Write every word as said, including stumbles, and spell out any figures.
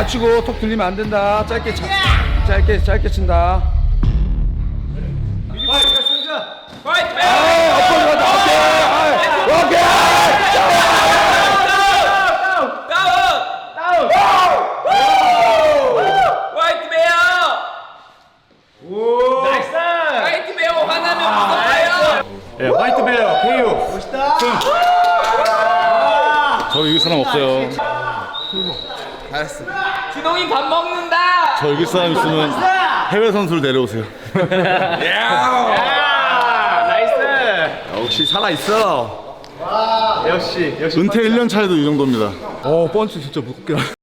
치고 톡 들리면 안 된다. 짧게 차, 짧게 짧게 친다. 화이팅! 아, 엎어져 가자. 오케이. 오케이. 다운! 화이트 베어! 나이스! 화이트 베어 화나면 무섭다요! 예, 화이트 베어 케이오. 멋있다. 저 이길 사람 없어요. 잘했어. 준홍이 밥 먹는다! 저 이길 사람 있으면 해외 선수를 내려오세요. 나이스. 역시 살아 있어. 역시 역시. 은퇴 일 년 차에도 이 정도입니다. 어, 펀치 진짜 무겁게.